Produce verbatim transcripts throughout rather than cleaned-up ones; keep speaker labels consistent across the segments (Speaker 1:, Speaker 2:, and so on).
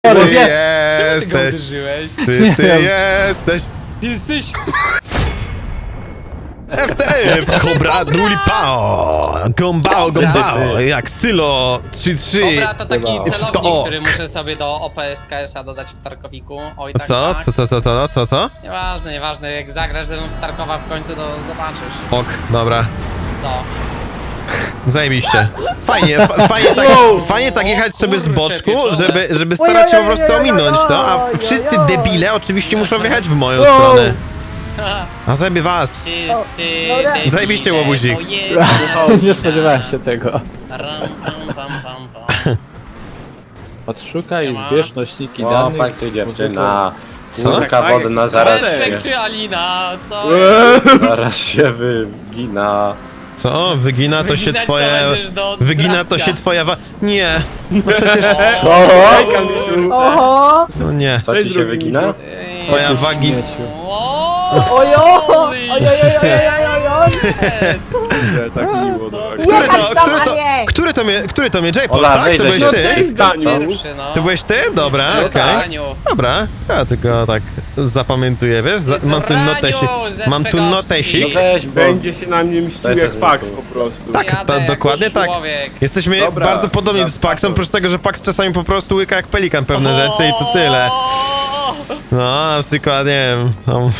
Speaker 1: Czemu ty go
Speaker 2: jesteś?
Speaker 1: uderzyłeś?
Speaker 2: Czy ty jesteś?
Speaker 1: Ty jesteś...
Speaker 2: F T F, Cobra, Druli Pao, Gombao, Gombao, jak Sylo, trzy trzy.
Speaker 1: Dobra, to taki
Speaker 2: Wszystko
Speaker 1: celownik,
Speaker 2: ok.
Speaker 1: który muszę sobie do O P S K S-a dodać w Tarkowiku. Oj, tak,
Speaker 2: Co?
Speaker 1: tak.
Speaker 2: Co, co, co, co, co, co?
Speaker 1: Nieważne, nieważne, jak zagrasz ze mną w Tarkowa w końcu, to zobaczysz.
Speaker 2: Ok, dobra.
Speaker 1: Co?
Speaker 2: Zajebiście. Fajnie, fa fajnie, tak, fajnie tak jechać sobie z boczku, żeby, żeby starać się po prostu ominąć to, a wszyscy debile oczywiście muszą wjechać w moją stronę. A zajebie was.
Speaker 1: Wszyscy
Speaker 3: Dobra.
Speaker 1: debile,
Speaker 2: Zajebiście, łobuzik.
Speaker 1: pojebani.
Speaker 4: Nie spodziewałem się tego.
Speaker 1: Ram, pam, pam, pam, pam.
Speaker 4: Odszukaj i
Speaker 1: Siema.
Speaker 4: zbierz nośniki
Speaker 5: O,
Speaker 4: danych.
Speaker 5: tak ty dziewczyna.
Speaker 2: Co?
Speaker 5: Kulka wodna zaraz
Speaker 1: Zespek
Speaker 5: się,
Speaker 1: czy Alina? Co?
Speaker 5: zaraz się wygina.
Speaker 2: Co? Wygina to się
Speaker 1: Wyginać to
Speaker 2: twoja...
Speaker 1: będziesz do
Speaker 2: Wygina to
Speaker 1: draska.
Speaker 2: się twoja wa... Nie. No przecież...
Speaker 5: Co?
Speaker 3: Oho!
Speaker 2: No nie.
Speaker 5: Co ci się wygina?
Speaker 1: Ej,
Speaker 2: Twoja wagi...
Speaker 4: Śmieciu.
Speaker 1: o,
Speaker 3: Ojo!
Speaker 1: holy
Speaker 3: Ojojojojojojoj!
Speaker 6: Tak miło, no.
Speaker 2: Który to,
Speaker 3: Jechać tam,
Speaker 2: który
Speaker 3: a
Speaker 2: to,
Speaker 3: nie!
Speaker 2: który to mnie, który to mnie, J-Pop,
Speaker 5: Ola,
Speaker 2: tak? To
Speaker 5: wejdę
Speaker 2: byłeś
Speaker 5: się.
Speaker 2: ty?
Speaker 5: Daniu.
Speaker 1: Pierwszy, no.
Speaker 2: To byłeś ty? Dobra,
Speaker 1: No
Speaker 2: okej.
Speaker 1: Daniu.
Speaker 2: Dobra, ja tylko tak zapamiętuję, wiesz? Za, mam tu
Speaker 1: Raniu,
Speaker 2: notesik. Mam tu
Speaker 1: Zetkowski.
Speaker 2: notesik.
Speaker 5: No weź, bo...
Speaker 6: Będzie się na mnie mścił
Speaker 5: Daj to
Speaker 6: jak
Speaker 5: z
Speaker 6: Pax
Speaker 5: łuku.
Speaker 6: po prostu.
Speaker 2: Tak,
Speaker 1: Jadę
Speaker 2: to
Speaker 1: jak
Speaker 2: dokładnie tak.
Speaker 1: człowiek.
Speaker 2: Jesteśmy
Speaker 6: Dobra,
Speaker 2: bardzo podobni z
Speaker 6: za-
Speaker 2: Paxem, oprócz tego, że Pax czasami po prostu łyka jak pelikan pewne rzeczy i to tyle.
Speaker 1: O,
Speaker 2: No, na przykład, nie wiem, tam...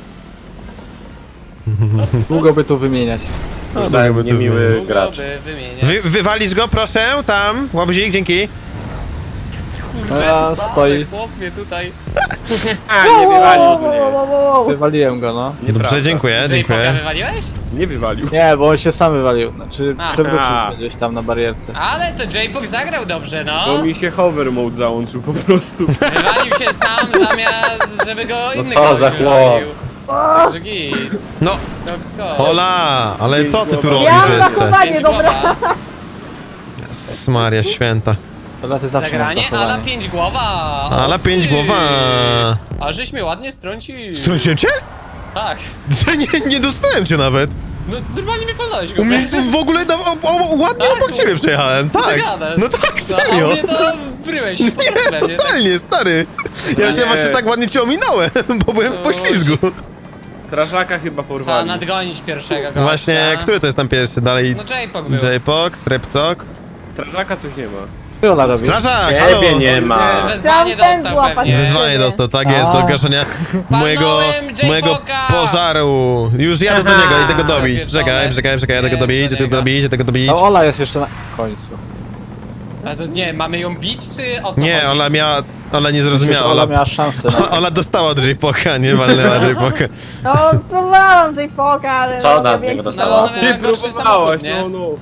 Speaker 4: Długo by tu wymieniać.
Speaker 2: No,
Speaker 5: Za
Speaker 2: mogłoby tu
Speaker 5: niemiły
Speaker 2: być.
Speaker 5: gracz.
Speaker 1: Mogłoby wymieniać.
Speaker 2: Wy, wywalisz go, proszę, tam, łabuzik, dzięki.
Speaker 1: Kurczę,
Speaker 4: A, stoi.
Speaker 1: Chłop mnie tutaj.
Speaker 6: A, nie wywalił mnie.
Speaker 4: Wywaliłem go, no.
Speaker 2: Dobrze,
Speaker 6: Nieprawda.
Speaker 2: dziękuję,
Speaker 1: J-Poka
Speaker 2: dziękuję.
Speaker 1: wywaliłeś?
Speaker 6: Nie wywalił.
Speaker 4: Nie, bo on się sam wywalił. Znaczy,
Speaker 6: Aha.
Speaker 4: przewrócił się gdzieś tam na barierce.
Speaker 1: Ale to J-Pok zagrał dobrze, no.
Speaker 6: Bo mi się hover mode załączył po prostu.
Speaker 1: Wywalił się sam zamiast, żeby go inny
Speaker 5: co
Speaker 1: gość
Speaker 5: za chłop.
Speaker 1: wywalił. Także git.
Speaker 2: No,
Speaker 1: Top
Speaker 2: hola, ale co ty tu
Speaker 6: Ja
Speaker 2: robisz
Speaker 3: Ja mam
Speaker 2: jeszcze?
Speaker 3: zachowanie, dobra.
Speaker 2: Jezus Maria święta.
Speaker 4: To ty zawsze
Speaker 1: Zagranie,
Speaker 4: masz
Speaker 1: ala
Speaker 4: zachowanie.
Speaker 1: pięć głowa.
Speaker 2: Ale
Speaker 1: O
Speaker 2: pięć
Speaker 1: ty.
Speaker 2: głowa.
Speaker 1: A żeś mnie ładnie strącił.
Speaker 2: Strąciłem cię?
Speaker 1: Tak.
Speaker 2: Że nie, nie dostałem cię nawet.
Speaker 1: No normalnie mnie podałeś
Speaker 2: U
Speaker 1: go.
Speaker 2: mnie w ogóle na, o, o, ładnie
Speaker 1: Tak,
Speaker 2: obok
Speaker 1: tu-
Speaker 2: ciebie przejechałem,
Speaker 1: Co ty
Speaker 2: tak.
Speaker 1: gadasz?
Speaker 2: No tak,
Speaker 1: No, a
Speaker 2: serio.
Speaker 1: u mnie to bryłeś się po prostu we mnie, tak?
Speaker 2: Totalnie, stary. Ja
Speaker 6: nie.
Speaker 2: się właśnie tak ładnie cię ominąłem, bo byłem w poślizgu.
Speaker 6: Strażaka chyba
Speaker 1: Trzeba
Speaker 6: porwali.
Speaker 1: nadgonić pierwszego gościa.
Speaker 2: Właśnie, który to jest tam pierwszy? Dalej
Speaker 1: No J-Pok był.
Speaker 2: J-Pok, Srepcok.
Speaker 6: Strażaka coś nie ma.
Speaker 4: Co ona robi?
Speaker 2: Strażak, halo!
Speaker 5: Ciebie nie ma.
Speaker 1: Wezwanie
Speaker 3: Chciałam
Speaker 1: dostał
Speaker 3: złapać.
Speaker 1: pewnie.
Speaker 2: Wyzwanie dostał, tak jest,
Speaker 4: A.
Speaker 2: do gaszenia mojego,
Speaker 1: J-Poka!
Speaker 2: mojego pożaru. Już jadę do niego, idę go dobić.
Speaker 1: Zapieczone.
Speaker 2: Czekaj, czekaj, czekaj, jadę go
Speaker 1: Jest
Speaker 2: dobić,
Speaker 1: do
Speaker 2: jadę go
Speaker 1: niego.
Speaker 2: dobić, jadę go dobić.
Speaker 4: A Ola jest jeszcze na końcu.
Speaker 1: A to nie, mamy ją bić, czy o co
Speaker 2: Nie,
Speaker 1: chodzi?
Speaker 2: Ola miała, Ola nie
Speaker 4: Myślę,
Speaker 2: zrozumiała,
Speaker 4: że Ola
Speaker 2: Ola,
Speaker 4: miała szansę na...
Speaker 2: Ola dostała od J-Poka, nie walnęła J-Poka.
Speaker 3: No, próbowałam tej poka, ale...
Speaker 5: Co
Speaker 3: no,
Speaker 5: ona od
Speaker 3: więcej-
Speaker 5: niego
Speaker 1: No,
Speaker 5: dostała?
Speaker 1: ona miała
Speaker 6: Ty
Speaker 1: gorszy
Speaker 6: próbowałaś,
Speaker 1: samochód, nie?
Speaker 6: no no.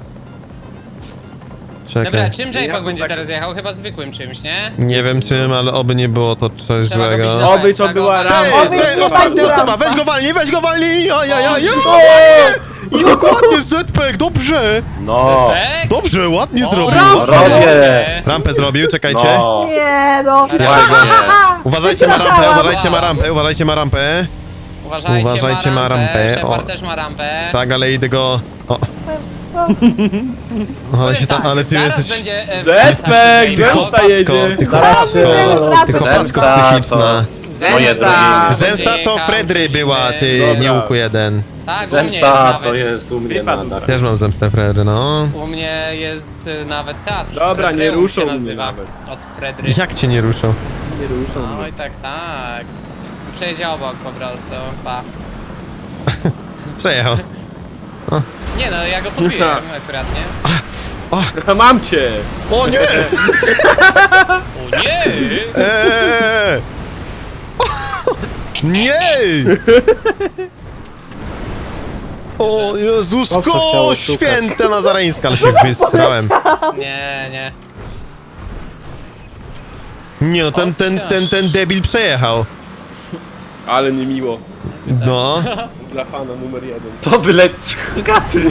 Speaker 1: Dobra,
Speaker 2: Czekaj.
Speaker 1: czym
Speaker 6: Ja
Speaker 1: J-Pok
Speaker 6: to
Speaker 1: będzie
Speaker 6: tak-
Speaker 1: teraz jechał? Chyba zwykłym czymś, nie?
Speaker 2: Nie wiem czym, ale oby nie było to coś
Speaker 1: Trzeba go
Speaker 2: złego.
Speaker 1: bić na
Speaker 6: Oby to
Speaker 1: trzeba go
Speaker 6: była
Speaker 1: walnąć.
Speaker 6: rama.
Speaker 2: Ej,
Speaker 3: Oby
Speaker 2: ej,
Speaker 3: nie
Speaker 2: ostatnia
Speaker 3: walnęła.
Speaker 2: osoba, weź go walnij, weź go walnij! O, ja, ja, ja,
Speaker 1: O,
Speaker 2: ładnie! Jak ładnie, Zpek, dobrze!
Speaker 5: No.
Speaker 1: Zepek?
Speaker 2: Dobrze, ładnie
Speaker 1: O,
Speaker 2: zrobił.
Speaker 1: brawo,
Speaker 5: Robię.
Speaker 2: Rampę zrobił, czekajcie.
Speaker 5: No.
Speaker 3: Nie, no.
Speaker 5: Ładnie.
Speaker 2: Uważajcie ma rampę, uważajcie ma rampę, uważajcie ma rampę.
Speaker 1: Uważajcie,
Speaker 2: Uważajcie,
Speaker 1: ma
Speaker 2: ma
Speaker 1: rampę.
Speaker 2: rampę.
Speaker 1: Shepard
Speaker 2: O.
Speaker 1: też ma rampę.
Speaker 2: Tak, ale idę go... O. Ale
Speaker 1: Powiem
Speaker 2: się tam,
Speaker 1: tak,
Speaker 2: ale ty
Speaker 1: zaraz
Speaker 2: jesteś...
Speaker 1: będzie... e,
Speaker 6: Zespek,
Speaker 1: J-Pok.
Speaker 6: zemsta
Speaker 2: chłopatko,
Speaker 6: jedzie.
Speaker 2: ty
Speaker 4: Zaraz
Speaker 2: chłopatko,
Speaker 4: się-
Speaker 2: ty chłopatko
Speaker 5: Zemsta
Speaker 2: psychiczna.
Speaker 5: Moje
Speaker 1: Zemsta.
Speaker 5: drogi.
Speaker 2: Zemsta to
Speaker 1: Będzie
Speaker 2: Fredry
Speaker 1: jechał,
Speaker 2: była, ty
Speaker 6: Dobra.
Speaker 2: nie łuku jeden.
Speaker 1: Tak, u mnie jest
Speaker 5: Zemsta
Speaker 1: nawet.
Speaker 5: to jest u mnie
Speaker 6: Wypadł.
Speaker 5: nadal.
Speaker 2: Też mam zemstę Fredry, no.
Speaker 1: U mnie jest y, nawet teatr.
Speaker 6: Dobra, nie
Speaker 1: Fredryum
Speaker 6: ruszą
Speaker 1: się
Speaker 6: mnie
Speaker 1: nazywa.
Speaker 6: nawet.
Speaker 1: Od Fredry.
Speaker 2: Jak cię nie ruszą?
Speaker 6: Nie ruszą
Speaker 1: No
Speaker 6: mnie.
Speaker 1: i tak, tak. Przejedzie obok po prostu, pa.
Speaker 2: Przejechał.
Speaker 1: Nie no, ja go podbiłem akurat, nie?
Speaker 6: Mam cię!
Speaker 2: O nie!
Speaker 1: O nie!
Speaker 2: Eee! Nie! O
Speaker 4: Dobrze
Speaker 2: Jezusko
Speaker 4: chciało szukać.
Speaker 2: święte nazareńska, ale się wysrałem.
Speaker 1: Nie, nie.
Speaker 2: Nie no, ten, ten, ten, ten debil przejechał.
Speaker 6: Ale niemiło.
Speaker 2: No.
Speaker 6: Dla fana numer jeden.
Speaker 5: To byle... Gaty.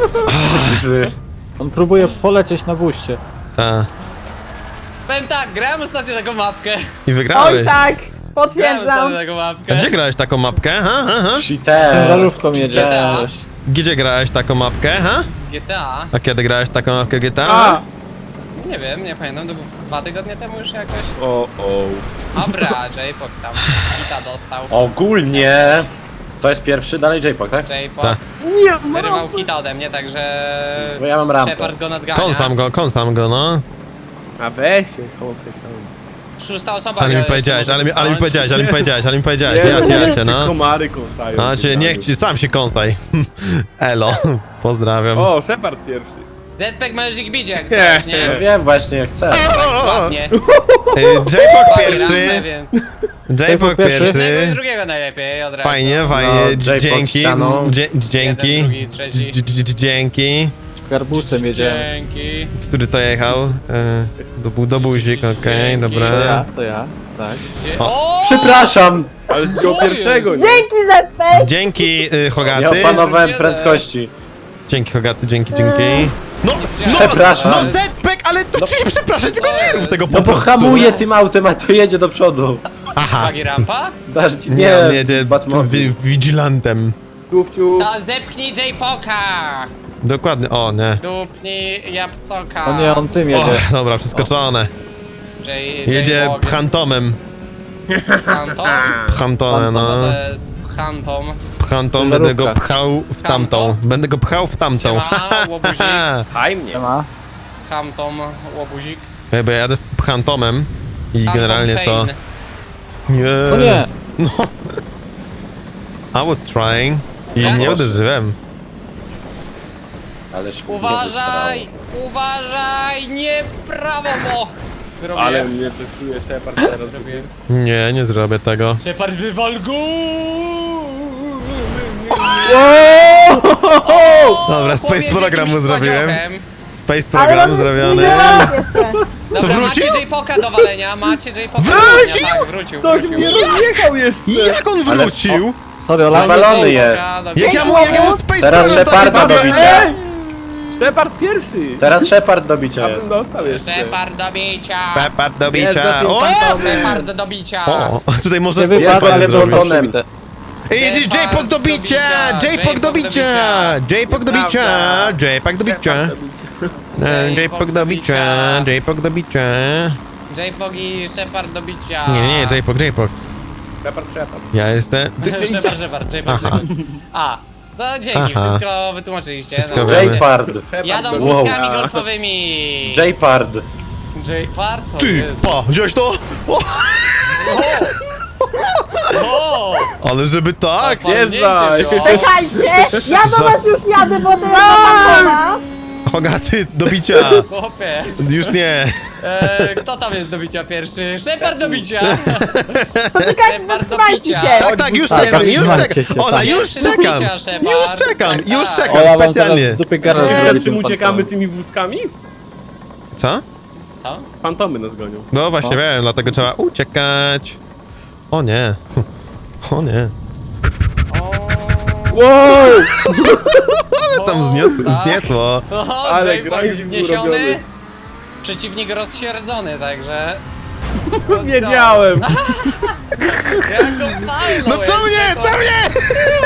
Speaker 4: On próbuje polecieć na buście.
Speaker 2: Ta.
Speaker 1: Powiem tak, grałem ostatnio taką mapkę.
Speaker 2: I
Speaker 3: Oj
Speaker 2: wygrałeś.
Speaker 3: tak,
Speaker 1: Grałem
Speaker 3: potwierdzam.
Speaker 1: ostatnio taką
Speaker 2: A
Speaker 1: mapkę.
Speaker 2: gdzie grałeś taką mapkę, ha, ha, ha?
Speaker 5: Cheater.
Speaker 4: Ciężarówką jedzie.
Speaker 1: G T A.
Speaker 2: Gdzie grałeś taką mapkę, ha?
Speaker 1: G T A.
Speaker 2: A kiedy grałeś taką mapkę G T A?
Speaker 6: A!
Speaker 1: Nie wiem, nie pamiętam, to był dwa tygodnie temu już jakoś.
Speaker 6: O, o.
Speaker 1: Dobra, J-Pok tam hita dostał.
Speaker 5: Ogólnie... To jest pierwszy, dalej J-Pok, tak?
Speaker 1: J-Pok
Speaker 2: Tak.
Speaker 1: wyrywał hita ode mnie, także...
Speaker 5: Bo ja mam rampę.
Speaker 1: Shepard go nadgania.
Speaker 2: Kąsam go, kąsam go, no.
Speaker 6: A weź się, kołowskaj sam.
Speaker 1: Szósta osoba
Speaker 2: Ale
Speaker 1: go
Speaker 2: mi
Speaker 1: jeszcze
Speaker 2: powiedziałeś,
Speaker 1: może
Speaker 2: ale mi, ale mi
Speaker 1: pchnąć.
Speaker 2: powiedziałeś, ale mi powiedziałeś, ale mi powiedziałeś,
Speaker 6: Nie,
Speaker 2: ja cię, ja cię, no.
Speaker 6: komary kąsają.
Speaker 2: No, cię, niech ci, sam się kąsaj. Elo, pozdrawiam.
Speaker 6: O, Shepard pierwszy.
Speaker 1: Jetpack Magic Bidzie jak chcesz, nie?
Speaker 5: Ja wiem właśnie, chcę.
Speaker 1: Ładnie.
Speaker 2: Y, J-Pok
Speaker 1: Fajnie,
Speaker 2: pierwszy,
Speaker 1: więc
Speaker 2: J-Pok
Speaker 4: pierwszy.
Speaker 1: jednego i
Speaker 2: pierwszy.
Speaker 1: drugiego najlepiej od razu.
Speaker 2: Fajnie, fajnie,
Speaker 5: No, J-Pok
Speaker 2: dzięki,
Speaker 5: ścianą.
Speaker 2: dzie- dzięki,
Speaker 1: Jeden, drugi, trzeci.
Speaker 2: Dż- dż- dż- dzięki.
Speaker 4: Garbusem jedziemy.
Speaker 1: Dzięki.
Speaker 2: Który to jechał? Y, Do, bu- do buzik, okej,
Speaker 1: Dzięki.
Speaker 4: To ja,
Speaker 2: dobra.
Speaker 4: to ja, tak.
Speaker 1: Dzie-
Speaker 2: O.
Speaker 1: O!
Speaker 5: Przepraszam!
Speaker 6: Ale z tego
Speaker 1: Co
Speaker 6: pierwszego,
Speaker 1: jest?
Speaker 6: nie?
Speaker 3: Dzięki, Zepek!
Speaker 2: Dzięki, y,
Speaker 5: Nie
Speaker 2: Hogaty.
Speaker 5: opanowałem
Speaker 1: Jeden.
Speaker 5: prędkości.
Speaker 2: Dzięki, Hogaty, dzięki, dzięki. No, no,
Speaker 5: Przepraszam.
Speaker 2: no Zpek, ale to ci przepraszam, tylko nie rób tego po
Speaker 5: No bo
Speaker 2: prostu.
Speaker 5: hamuje tym autem, a to jedzie do przodu.
Speaker 2: Aha,
Speaker 1: Bagi rampa?
Speaker 5: Dasz ci...
Speaker 2: nie,
Speaker 5: Nie,
Speaker 2: on jedzie
Speaker 5: Batmobil.
Speaker 2: wi- vigilantem.
Speaker 6: Tufciu.
Speaker 1: To zepchnij J-Poka!
Speaker 2: Dokładnie, o nie.
Speaker 1: Dupnij Japcoka.
Speaker 4: O nie, on tym
Speaker 2: O,
Speaker 4: jedzie.
Speaker 2: dobra, przeskoczone.
Speaker 1: J-
Speaker 2: Jedzie
Speaker 1: J-Pog.
Speaker 2: phantomem.
Speaker 1: Phantom?
Speaker 2: Phantomem,
Speaker 1: No
Speaker 2: no.
Speaker 1: to jest Phantom.
Speaker 2: Phantom, będę go
Speaker 4: Żarówka.
Speaker 2: pchał w tamtą. Będę go pchał w tamtą.
Speaker 1: Siema, łobuzik.
Speaker 6: Haj mnie.
Speaker 4: Nie ma.
Speaker 1: Phantom, łobuzik.
Speaker 2: Bo ja jadę phantomem i
Speaker 1: Phantom
Speaker 2: generalnie to...
Speaker 1: Pain.
Speaker 2: Nie.
Speaker 4: O nie!
Speaker 2: No. I was trying. I
Speaker 1: Ja?
Speaker 2: nie uderzyłem.
Speaker 5: Ależ mnie
Speaker 1: Uważaj! Uważaj! Nie prawo, bo! Robię.
Speaker 6: Ale mnie coś czuje Shepard teraz.
Speaker 1: Zrobię.
Speaker 2: Nie, nie zrobię tego.
Speaker 1: Shepard wywal go!
Speaker 2: Dobra, space
Speaker 1: Powiedz
Speaker 2: program mu
Speaker 1: jakimś
Speaker 2: zrobiłem.
Speaker 1: padziochem.
Speaker 2: Space
Speaker 3: Ale
Speaker 2: program
Speaker 3: mam
Speaker 2: zrobiony.
Speaker 3: milionów jeszcze.
Speaker 2: Co,
Speaker 1: Dobra,
Speaker 2: wrócił?
Speaker 1: macie J-Poka do walenia, macie J-Poka do
Speaker 2: Wrócił?
Speaker 1: walenia. Tak, wrócił,
Speaker 6: Ktoś
Speaker 1: wrócił.
Speaker 6: mnie rozjechał jeszcze.
Speaker 2: Jak on
Speaker 5: Ale-
Speaker 2: wrócił?
Speaker 4: Sorry, Ola.
Speaker 1: Macie
Speaker 5: Nawalony
Speaker 1: J-Poka do-
Speaker 2: Jak ja mu, jak ja mu space
Speaker 5: Teraz
Speaker 2: program
Speaker 5: Sheparda
Speaker 2: taki
Speaker 5: do
Speaker 2: zrobiłem?
Speaker 5: bicia.
Speaker 6: Ej! Shepard pierwszy.
Speaker 5: Teraz Shepard do bicia
Speaker 6: Ja
Speaker 5: jest.
Speaker 6: bym dostał jeszcze.
Speaker 1: Shepard do bicia!
Speaker 2: Shepard do
Speaker 6: Jest
Speaker 2: bicia.
Speaker 6: za tym
Speaker 2: O!
Speaker 1: Shepard do bicia!
Speaker 2: O, tutaj można
Speaker 4: Nie
Speaker 2: space
Speaker 4: wypadł,
Speaker 2: program
Speaker 4: ale
Speaker 2: zrobić.
Speaker 5: zrobił.
Speaker 4: zrobił przebite.
Speaker 2: Ej, J-Pog do bicia! J-Pog do bicia! J-Pog do bicia! J-Pog do bicia! E, J-Pog do bicia! J-Pog do bicia!
Speaker 1: J-Pog i Shepard do bicia!
Speaker 2: Nie, nie, nie, J-Pog, J-Pog.
Speaker 6: Shepard, Shepard.
Speaker 2: Ja jestem...
Speaker 1: Shepard, Shepard, J-Pog,
Speaker 2: Aha.
Speaker 1: Shepard. A, no dzięki,
Speaker 2: Aha.
Speaker 1: wszystko wytłumaczyliście.
Speaker 2: Wszystko
Speaker 1: no,
Speaker 2: wiemy.
Speaker 5: J-Pard.
Speaker 1: Jadą
Speaker 6: do
Speaker 1: wózkami
Speaker 6: bicia.
Speaker 1: golfowymi!
Speaker 5: J-Pard.
Speaker 1: J-Pard? O
Speaker 2: Ty,
Speaker 1: Jezu.
Speaker 2: pa, wziąłeś to? O,
Speaker 1: O!
Speaker 2: ale żeby tak?
Speaker 6: Wjeżdżaj.
Speaker 3: Czekajcie! Ja do was już jadę, bo to jest zapakona.
Speaker 2: Hogaty do bicia!
Speaker 1: Chłopie,
Speaker 2: Już nie.
Speaker 1: e, kto tam jest do bicia pierwszy? Shepard do bicia!
Speaker 3: Poczekajcie,
Speaker 1: Shepard do
Speaker 3: zatrzymajcie
Speaker 1: bicia!
Speaker 3: się!
Speaker 2: Tak, tak, już
Speaker 4: Tak,
Speaker 2: czekam, już
Speaker 4: zatrzymajcie
Speaker 2: czekam.
Speaker 4: się,
Speaker 2: Ola,
Speaker 4: tak.
Speaker 2: już
Speaker 1: Pierwszy do
Speaker 2: czekam.
Speaker 1: bicia, Shepard.
Speaker 2: Już czekam,
Speaker 1: Tak,
Speaker 2: już
Speaker 1: tak.
Speaker 2: czekam,
Speaker 4: Ola wam zaraz
Speaker 2: specjalnie.
Speaker 4: z dupy garaż
Speaker 6: Nie,
Speaker 4: zrobi
Speaker 6: czy
Speaker 4: tym
Speaker 6: uciekamy
Speaker 4: fantomem.
Speaker 6: tymi wózkami?
Speaker 2: Co?
Speaker 1: Co?
Speaker 6: Fantomy nas gonią.
Speaker 2: No właśnie
Speaker 4: O.
Speaker 2: wiem, dlatego trzeba uciekać. O nie. O nie.
Speaker 1: O,
Speaker 6: Wow!
Speaker 2: Ale tam zniosło,
Speaker 1: tak.
Speaker 2: zniesło.
Speaker 1: O,
Speaker 6: Ale
Speaker 1: J-Pog
Speaker 6: grind
Speaker 1: zniesiony,
Speaker 6: urobiony.
Speaker 1: przeciwnik rozsierdzony, także...
Speaker 6: Wiedziałem.
Speaker 1: Ja go palnąłem!
Speaker 2: No co mnie, co mnie?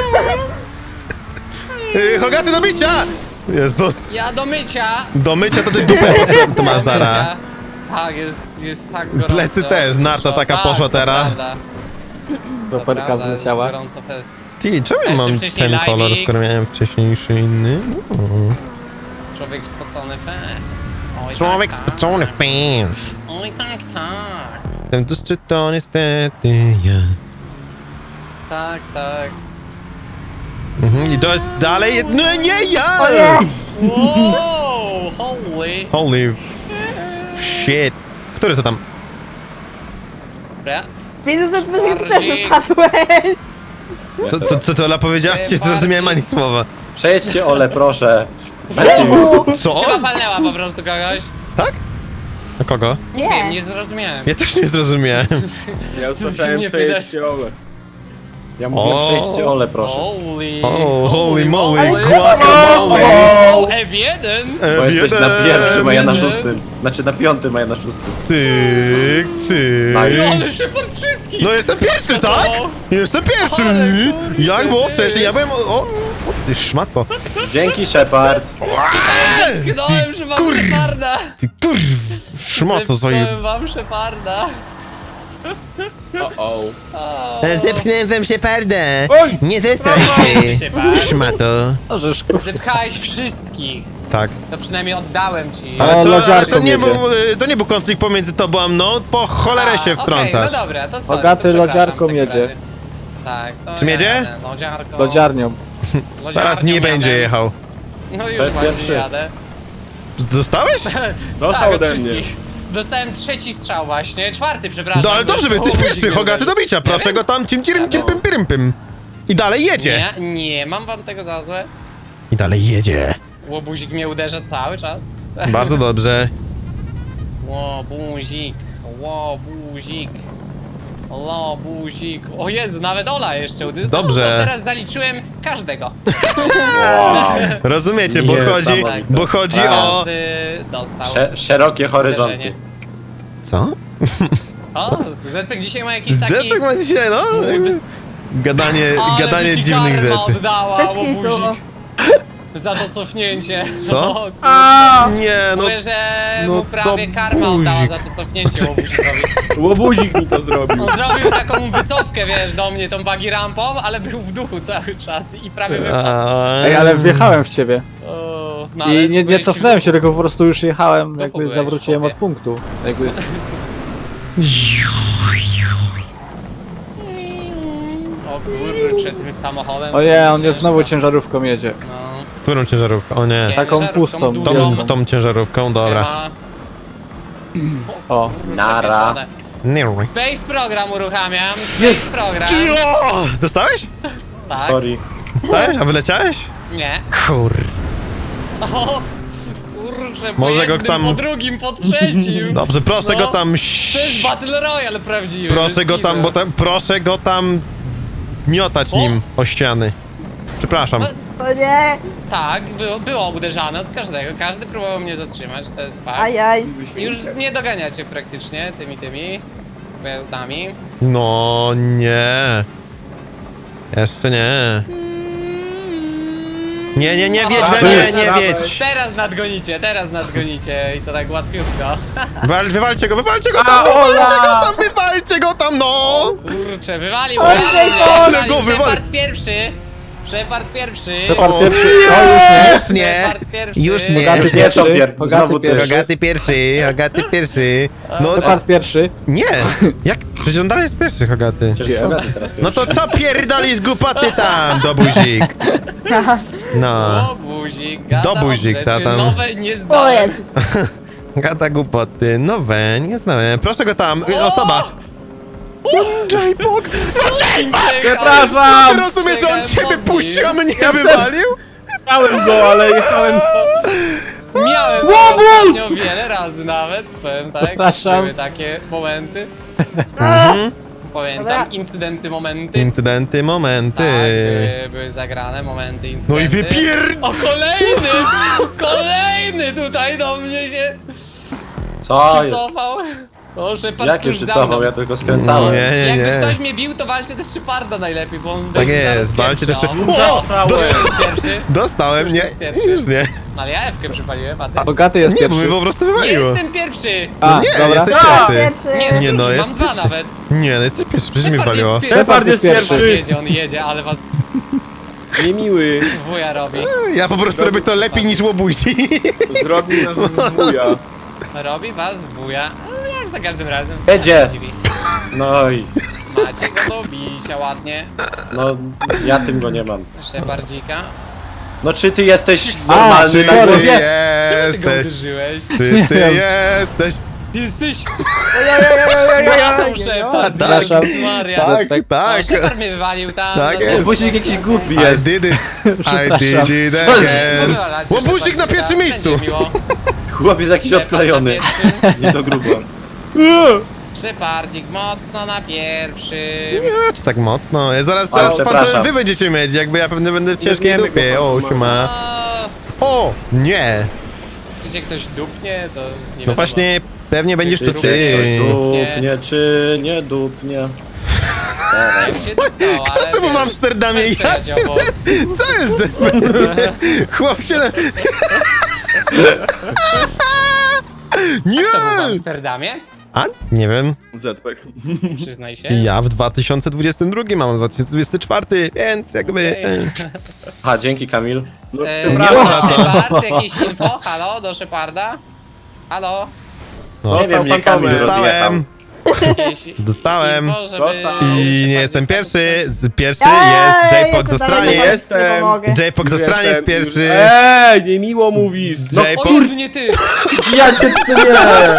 Speaker 2: Yy, Hogaty do bicia! Jezus.
Speaker 1: Ja do mycia!
Speaker 2: Do mycia to ty dupę potrzebny to masz
Speaker 1: Do
Speaker 2: zara.
Speaker 1: mycia. Tak, jest, jest tak gorąco.
Speaker 2: Plecy też, narta taka
Speaker 1: Tak,
Speaker 2: poszła
Speaker 1: to
Speaker 2: teraz.
Speaker 1: prawda, to
Speaker 4: Roperka
Speaker 1: prawda, jest
Speaker 4: wleciała.
Speaker 1: gorąco fest.
Speaker 2: Ty, czemu ja
Speaker 1: Jeszcze
Speaker 2: mam
Speaker 1: wcześniej
Speaker 2: ten kolor,
Speaker 1: live'ik.
Speaker 2: skoro miałem wcześniejszy inny? Mm.
Speaker 1: Człowiek spocony fest. Oj,
Speaker 2: Człowiek
Speaker 1: tak, tak.
Speaker 2: spocony fęż.
Speaker 1: Oj tak, tak.
Speaker 2: Ten dusty to niestety ja.
Speaker 1: Tak, tak.
Speaker 2: Mhm, i to jest dalej... No nie ja!
Speaker 3: O nie!
Speaker 1: Wow, holy.
Speaker 2: Holy shit. Który to tam?
Speaker 1: Dobra.
Speaker 3: Widzę, że ty też
Speaker 1: Bardziej.
Speaker 3: wypadłeś.
Speaker 2: Co, co, co to Ola powiedziała? Nie zrozumiałem ani słowa.
Speaker 5: Przejedźcie Ole, proszę. Macie
Speaker 2: Co?
Speaker 1: Chyba palnęła po prostu kogoś.
Speaker 2: Tak? A kogo?
Speaker 1: Nie wiem,
Speaker 3: Nie.
Speaker 1: nie zrozumiałem.
Speaker 2: Ja też nie zrozumiałem.
Speaker 6: Ja
Speaker 1: Co się
Speaker 6: usłyszałem
Speaker 1: nie
Speaker 6: przejedź się Ole.
Speaker 5: Ja mówię,
Speaker 2: O.
Speaker 5: przejdźcie Ole, proszę.
Speaker 1: Holy.
Speaker 2: O, holy moly,
Speaker 1: moly.
Speaker 2: guacamole.
Speaker 1: O, F jeden.
Speaker 5: Bo jesteś na pierwszym, a ja na
Speaker 1: jeden.
Speaker 5: szóstym. Znaczy na piątym, a ja na szóstym.
Speaker 2: Cyk,
Speaker 5: Nice.
Speaker 2: cyk.
Speaker 1: Ale Shepard wszystkich.
Speaker 2: No jestem pierwszy,
Speaker 1: Co?
Speaker 2: tak? Jestem pierwszy!
Speaker 1: Ale kurde,
Speaker 2: Jak było
Speaker 1: ty.
Speaker 2: wcześniej? Ja byłem... O, o ty szmato.
Speaker 5: Dzięki Shepard.
Speaker 1: Zepchnąłem że mam
Speaker 2: kurw.
Speaker 1: Sheparda!
Speaker 2: Ty kurw, szmoto swoje.
Speaker 1: Zepchnąłem wam Sheparda!
Speaker 6: O, o.
Speaker 1: O,
Speaker 2: Zepchnąłem wam Sheparda.
Speaker 6: Oj!
Speaker 2: Nie zestraj
Speaker 1: Proszę
Speaker 2: się.
Speaker 1: cię, pan.
Speaker 2: Szmato.
Speaker 4: Możesz, kurwa.
Speaker 1: Zepchałeś wszystkich!
Speaker 2: Tak.
Speaker 1: To przynajmniej oddałem ci.
Speaker 4: Ale
Speaker 2: Ale to, ale
Speaker 4: lodziarką
Speaker 2: to, nie
Speaker 4: jedzie.
Speaker 2: był, y, to nie był konflikt pomiędzy tobą a mną, po cholerę
Speaker 1: A,
Speaker 2: się
Speaker 1: okej,
Speaker 2: wtrącasz.
Speaker 1: no dobra, to sorry,
Speaker 4: Bogaty
Speaker 1: to przepraszam
Speaker 4: lodziarką
Speaker 1: w takim
Speaker 4: jedzie.
Speaker 1: razie. Tak, to
Speaker 2: Czym jedzie?
Speaker 1: jadę, Lodziarką.
Speaker 4: Lodziarnią.
Speaker 2: Zaraz
Speaker 1: Lodziarnią
Speaker 2: nie będzie
Speaker 1: jadę.
Speaker 2: jechał.
Speaker 1: No już
Speaker 5: jest
Speaker 1: właśnie
Speaker 5: pierwszy.
Speaker 1: jadę.
Speaker 2: Dostałeś?
Speaker 6: Dostał
Speaker 1: Tak, od
Speaker 6: ode mnie.
Speaker 1: wszystkich. Dostałem trzeci strzał właśnie, czwarty przepraszam.
Speaker 2: No ale dobrze, bo jesteś
Speaker 1: O,
Speaker 2: pierwszy,
Speaker 1: guzik
Speaker 2: Hogaty
Speaker 1: mnie
Speaker 2: do bicia, proszę
Speaker 1: wiem.
Speaker 2: go tam cim cirim cim pym pym pym. I dalej jedzie.
Speaker 1: Nie, nie, mam wam tego za złe.
Speaker 2: I dalej jedzie.
Speaker 1: Łobuzik mnie uderza cały czas.
Speaker 2: Bardzo dobrze.
Speaker 1: Łobuzik, łobuzik, łobuzik. O Jezu, nawet Ola jeszcze uderza.
Speaker 2: Dobrze.
Speaker 1: No, teraz zaliczyłem każdego.
Speaker 5: Wow.
Speaker 2: Rozumiecie, bo chodzi,
Speaker 5: Niesamowite.
Speaker 2: bo chodzi o...
Speaker 1: Każdy dostał
Speaker 5: Sze szerokie horyzonty.
Speaker 1: uderzenie.
Speaker 2: Co?
Speaker 1: O, Zetek dzisiaj ma jakiś taki...
Speaker 2: Zetek ma dzisiaj, no? Gadanie,
Speaker 1: Ale
Speaker 2: gadanie
Speaker 1: by ci
Speaker 2: dziwnych
Speaker 1: karma
Speaker 2: rzeczy.
Speaker 1: oddała,
Speaker 3: Bez
Speaker 1: łobuzik.
Speaker 3: kitu.
Speaker 1: Za to cofnięcie.
Speaker 2: Co?
Speaker 1: No, kurczę.
Speaker 6: A,
Speaker 2: Nie, no...
Speaker 1: Mówię, że
Speaker 2: no
Speaker 1: mu prawie
Speaker 2: to
Speaker 1: karma oddała
Speaker 2: buzik.
Speaker 1: za to cofnięcie łobuzikowi.
Speaker 6: łobuzik mi to zrobił.
Speaker 1: On zrobił taką wycofkę, wiesz, do mnie tą buggy rampą, ale był w duchu cały czas i prawie wypadł.
Speaker 4: Ej, ale wjechałem w ciebie.
Speaker 1: O, no, ale
Speaker 4: I nie, nie
Speaker 1: byłeś
Speaker 4: cofnąłem
Speaker 1: w
Speaker 4: się, tylko po prostu już jechałem,
Speaker 1: Duchu
Speaker 4: jakby
Speaker 1: byłeś,
Speaker 4: zawróciłem
Speaker 1: chłopie.
Speaker 4: od punktu. Jakby...
Speaker 1: O kurczę, tym samochodem.
Speaker 4: O nie, on jest
Speaker 1: ciężko.
Speaker 4: znowu ciężarówką jedzie.
Speaker 1: No,
Speaker 2: Którą ciężarówką? O nie.
Speaker 1: nie,
Speaker 4: Taką
Speaker 1: żarówką
Speaker 4: pustą,
Speaker 1: dużą.
Speaker 2: Tą, tą ciężarówką, dobra.
Speaker 1: Chyba.
Speaker 4: O.
Speaker 5: Nara.
Speaker 2: Nie.
Speaker 1: Space program uruchamiam, space program.
Speaker 2: O! Dostałeś?
Speaker 1: Tak,
Speaker 5: Sorry.
Speaker 2: Dostałeś? A wyleciałeś?
Speaker 1: nie.
Speaker 2: Kur...
Speaker 1: O, kurczę, po
Speaker 2: Może go
Speaker 1: jednym,
Speaker 2: tam-
Speaker 1: po drugim, po trzecim.
Speaker 2: Dobrze, proszę
Speaker 1: No,
Speaker 2: go tam...
Speaker 1: To jest Battle Royale prawdziwy.
Speaker 2: Proszę
Speaker 1: bez
Speaker 2: go tam,
Speaker 1: kitu.
Speaker 2: bo tam, proszę go tam miotać
Speaker 1: O!
Speaker 2: nim o ściany. Przepraszam.
Speaker 3: O nie!
Speaker 1: Tak, było, było uderzane od każdego. Każdy próbował mnie zatrzymać, to jest fakt.
Speaker 3: Ajaj.
Speaker 1: I już mnie doganiacie praktycznie tymi tymi pojazdami.
Speaker 2: No nie. Jeszcze nie. Nie, nie, nie wiedź we mnie, nie wiedź.
Speaker 1: Teraz nadgonicie, teraz nadgonicie i to tak łatwiutko.
Speaker 2: Wal, wywalcie go, wywalcie go
Speaker 6: A,
Speaker 2: tam, wywalcie
Speaker 6: Ola!
Speaker 2: go tam, wywalcie go tam, no!
Speaker 1: Kurczę, wywalił,
Speaker 3: Oj,
Speaker 1: wywalił,
Speaker 3: oj,
Speaker 1: wywalił.
Speaker 2: go wywali-
Speaker 1: Shepard pierwszy. Shepard pierwszy.
Speaker 4: Shepard
Speaker 2: O,
Speaker 4: pierwszy. O, już nie.
Speaker 2: Już nie,
Speaker 1: Shepard pierwszy.
Speaker 2: już nie.
Speaker 4: Bogaty
Speaker 5: Już nie są
Speaker 4: pierwszy.
Speaker 5: pier...
Speaker 4: Bogaty
Speaker 5: Znowu ty.
Speaker 4: pierwszy.
Speaker 2: Hogaty pierwszy, Hogaty pierwszy. No,
Speaker 4: Shepard pierwszy.
Speaker 2: nie. Jak? Przecież on dalej jest pierwszy, Hogaty.
Speaker 5: Przecież Hogaty teraz
Speaker 2: No to
Speaker 5: pierwszy.
Speaker 2: co pierdolisz głupoty tam, dobuzik? No.
Speaker 1: O, buzik, gada
Speaker 2: Dobuzik,
Speaker 1: rzeczy
Speaker 2: ta tam.
Speaker 1: nowe nie
Speaker 3: O
Speaker 1: znałem.
Speaker 3: jest.
Speaker 2: Gada głupoty, nowe, nie znałem. Proszę go tam, y, osoba. J-Pog!
Speaker 6: Przepraszam!
Speaker 2: Ty rozumiesz, że on ciebie
Speaker 1: Podbił.
Speaker 2: puścił, a mnie
Speaker 6: Ja
Speaker 2: wywalił?
Speaker 6: Jechałem go, ale jechałem...
Speaker 1: Miałem to ostatnio wiele razy nawet, powiem tak.
Speaker 4: Przepraszam.
Speaker 1: Były takie momenty.
Speaker 2: Mhm.
Speaker 1: Pamiętam,
Speaker 3: Dobra.
Speaker 1: incydenty, momenty.
Speaker 2: Incydenty, momenty.
Speaker 1: Tak, były, były zagrane momenty, incydenty.
Speaker 2: No i wypier...
Speaker 1: O, kolejny! Kolejny tutaj do mnie się
Speaker 5: Co jest?
Speaker 1: przycofał. O, Shepard
Speaker 5: Jak
Speaker 1: tuż
Speaker 5: już
Speaker 1: za
Speaker 5: cofał,
Speaker 1: mną.
Speaker 5: ja tylko skręcałem.
Speaker 2: Nie, nie,
Speaker 1: Jakby
Speaker 2: nie.
Speaker 1: ktoś mnie bił, to walcie też Sheparda najlepiej, bo on
Speaker 2: Tak
Speaker 1: będzie zaraz
Speaker 2: jest, walcie
Speaker 1: pierwszy,
Speaker 2: też...
Speaker 1: o.
Speaker 2: O!
Speaker 6: Dostałem.
Speaker 2: Dosta-
Speaker 1: To jest pierwszy.
Speaker 2: Dostałem, nie,
Speaker 1: jest pierwszy.
Speaker 2: już nie.
Speaker 1: Ale ja F-kę przypaliłem, a ty?
Speaker 4: Bogaty jest
Speaker 2: Nie, bo mnie
Speaker 4: pierwszy.
Speaker 2: po prostu
Speaker 1: Nie
Speaker 2: wywaliło.
Speaker 1: jestem pierwszy!
Speaker 4: A,
Speaker 2: Nie,
Speaker 4: dobra.
Speaker 2: jesteś
Speaker 6: A!
Speaker 2: pierwszy.
Speaker 3: Pierwszy.
Speaker 1: Nie, no,
Speaker 2: Nie, no,
Speaker 1: drugi,
Speaker 2: jest
Speaker 1: mam dwa
Speaker 2: pierwszy.
Speaker 1: nawet.
Speaker 2: Nie, no jesteś pierwszy, przecież mnie
Speaker 1: Shepard jest
Speaker 2: wywaliło.
Speaker 1: pierwszy.
Speaker 6: Shepard jest
Speaker 4: pierwszy.
Speaker 1: On
Speaker 6: pierwszy.
Speaker 1: jedzie, on jedzie, ale was
Speaker 6: Niemiły.
Speaker 1: wuja robi.
Speaker 2: Ja po prostu robię to lepiej niż łobuzi.
Speaker 6: Zrobił nas wuja.
Speaker 1: Robi was wuja. No, jak za każdym razem.
Speaker 5: Jedzie.
Speaker 1: Nie dziwi.
Speaker 5: No i...
Speaker 1: Macie go do bicia ładnie.
Speaker 5: No, ja tym go nie mam.
Speaker 1: Shepardzika.
Speaker 5: No czy ty jesteś
Speaker 4: A,
Speaker 5: normalny
Speaker 2: Czy
Speaker 5: na
Speaker 4: sorry.
Speaker 2: ty
Speaker 5: głowie?
Speaker 1: Czemu ty go
Speaker 2: jesteś?
Speaker 1: uderzyłeś?
Speaker 2: Czy ty
Speaker 4: wiem.
Speaker 2: jesteś?
Speaker 1: Ty jesteś
Speaker 3: Ojojojojojojoj.
Speaker 1: matą Shepard.
Speaker 2: Tak,
Speaker 1: Jezus Maria.
Speaker 2: tak,
Speaker 1: No,
Speaker 2: tak.
Speaker 1: Shepard mnie wywalił tam.
Speaker 2: Tak
Speaker 1: no,
Speaker 2: jest.
Speaker 5: Łobuzik jakiś głupi
Speaker 2: I
Speaker 5: jest.
Speaker 2: did it. I did it
Speaker 5: Co jest?
Speaker 2: again.
Speaker 1: Powywalacie
Speaker 2: Łobuzik
Speaker 1: Shepardika,
Speaker 2: na pierwszym
Speaker 1: będzie
Speaker 2: miejscu.
Speaker 1: miło.
Speaker 5: Chłopiec jakiś
Speaker 1: Shepard na
Speaker 5: odklejony.
Speaker 1: pierwszym.
Speaker 5: Nie to grubo.
Speaker 1: Shepardzik mocno na pierwszym.
Speaker 2: Nie, czy tak mocno? Ja zaraz,
Speaker 5: Ale
Speaker 2: zaraz pan,
Speaker 5: przepraszam.
Speaker 2: wy będziecie mieć, jakby ja pewnie będę w ciężkiej
Speaker 6: wiemy,
Speaker 2: dupie.
Speaker 6: kogo
Speaker 2: O,
Speaker 6: ma.
Speaker 2: siema.
Speaker 1: O,
Speaker 2: O, nie.
Speaker 1: czy cię ktoś dupnie, to nie
Speaker 2: No
Speaker 1: wiadomo.
Speaker 2: właśnie, pewnie będziesz to
Speaker 5: Czy
Speaker 2: ty.
Speaker 5: dupnie, czy nie dupnie?
Speaker 1: Jak się dupnął,
Speaker 2: Kto
Speaker 1: ale
Speaker 2: to był w
Speaker 1: wiesz,
Speaker 2: Amsterdamie?
Speaker 1: weź
Speaker 2: Ja
Speaker 1: przeleciał,
Speaker 2: cię
Speaker 1: bo-
Speaker 2: zet... Co jest Z? Chłop się... Nie!
Speaker 1: To był w Amsterdamie?
Speaker 2: A? Nie wiem.
Speaker 6: Zpek.
Speaker 1: Przyznaj się.
Speaker 2: Ja w dwa tysiące dwudziestym drugim mam dwa tysiące dwudziesty czwarty, więc jakby...
Speaker 1: Okej.
Speaker 2: e,
Speaker 5: Aha, dzięki Kamil.
Speaker 6: No,
Speaker 1: E,
Speaker 6: przepraszam.
Speaker 1: Shepard, jakieś info? Halo, do Sheparda? Halo?
Speaker 2: No,
Speaker 5: Nie wiem, nie Kamil rozjechał.
Speaker 2: dostałem,
Speaker 1: Jakieś
Speaker 2: dostałem.
Speaker 1: info, żeby...
Speaker 6: Dostał.
Speaker 2: I nie jestem pierwszy. Z- Pierwszy jest
Speaker 3: Ej,
Speaker 2: J-Pog
Speaker 3: ja
Speaker 2: z
Speaker 3: tu dalej
Speaker 2: Australii.
Speaker 3: nie
Speaker 6: Jestem.
Speaker 3: pomogę.
Speaker 2: J-Pog z Australii jest
Speaker 6: Jestem już-
Speaker 2: pierwszy.
Speaker 6: Ej, nie miło mówisz.
Speaker 2: No,
Speaker 1: O
Speaker 2: J-Pog...
Speaker 1: Jezu, nie ty!
Speaker 5: Ja cię tu nie!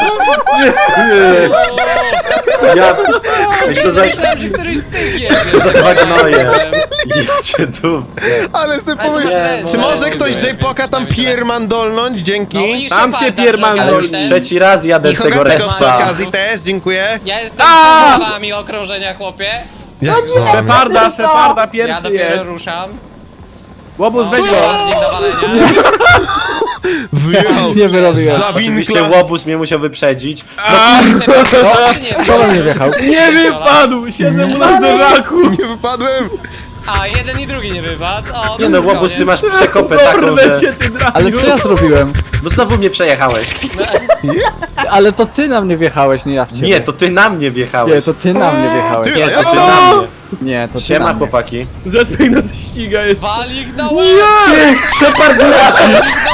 Speaker 5: Ja... Ej, co za...
Speaker 1: Myślałem, że któryś z tych jest.
Speaker 5: Co za dwa gnoje. Ja cię tu...
Speaker 2: Ale sobie
Speaker 1: Ale to
Speaker 2: powiem,
Speaker 1: masz rację.
Speaker 2: czy może
Speaker 1: No,
Speaker 2: ktoś
Speaker 1: więc
Speaker 2: J-Poka tam
Speaker 1: przynajmniej
Speaker 2: piermandolnąć? Dzięki.
Speaker 1: No i
Speaker 6: Tam się
Speaker 1: Sheparda
Speaker 6: pierman
Speaker 1: przy
Speaker 5: Ale już
Speaker 1: okazji też.
Speaker 5: trzeci raz jadę
Speaker 2: I
Speaker 5: z tego
Speaker 2: Hogatego przy
Speaker 5: respa.
Speaker 2: okazji też, dziękuję.
Speaker 1: Ja jestem
Speaker 6: A!
Speaker 1: pod wami okrążenia, chłopie.
Speaker 2: Ja,
Speaker 6: Szeparda, Szeparda
Speaker 1: Ja
Speaker 6: pierwszy
Speaker 1: dopiero
Speaker 6: jest.
Speaker 1: ruszam.
Speaker 6: Łobuz, weź
Speaker 1: No,
Speaker 6: go.
Speaker 1: bardziej do walenia.
Speaker 2: wyjechał.
Speaker 4: Nie wyrobiłem.
Speaker 2: Za
Speaker 5: Oczywiście
Speaker 2: winkla.
Speaker 5: łobuz mnie musiał wyprzedzić.
Speaker 4: Kto we mnie wjechał?
Speaker 6: Nie wypadł, siedzę mu na zderzaku.
Speaker 2: Nie wypadłem.
Speaker 1: A, jeden i drugi nie wypadł. O,
Speaker 5: Nie no, łobuz, ty masz przekopę taką,
Speaker 6: Kurde
Speaker 5: że...
Speaker 6: cię, ty drapiu.
Speaker 4: Ale co ja zrobiłem?
Speaker 5: No znowu mnie przejechałeś.
Speaker 4: Ale to ty na mnie wjechałeś, nie ja w ciebie.
Speaker 5: Nie, to ty na mnie
Speaker 4: Nie,
Speaker 5: wjechałeś.
Speaker 4: to ty na mnie wjechałeś.
Speaker 2: Ty,
Speaker 5: Nie,
Speaker 2: a
Speaker 5: to
Speaker 2: ja
Speaker 5: ty
Speaker 2: to-
Speaker 5: na mnie.
Speaker 4: Nie, to ty
Speaker 5: Siema
Speaker 4: na mnie.
Speaker 5: chłopaki.
Speaker 6: Zpek nas ściga jeszcze.
Speaker 1: Walik na łeb!
Speaker 5: Shepard leci!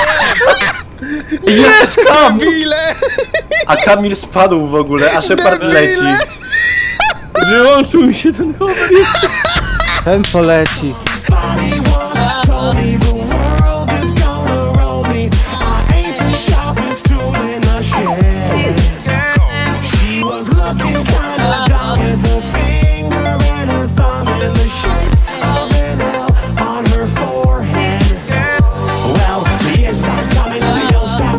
Speaker 5: Jest Kam!
Speaker 2: Bile!
Speaker 5: A Kamil spadł w ogóle, a Shepard
Speaker 2: Debile!
Speaker 5: leci.
Speaker 6: Wyłączył mi się ten hover jeszcze.
Speaker 4: Ten co leci.
Speaker 7: Told me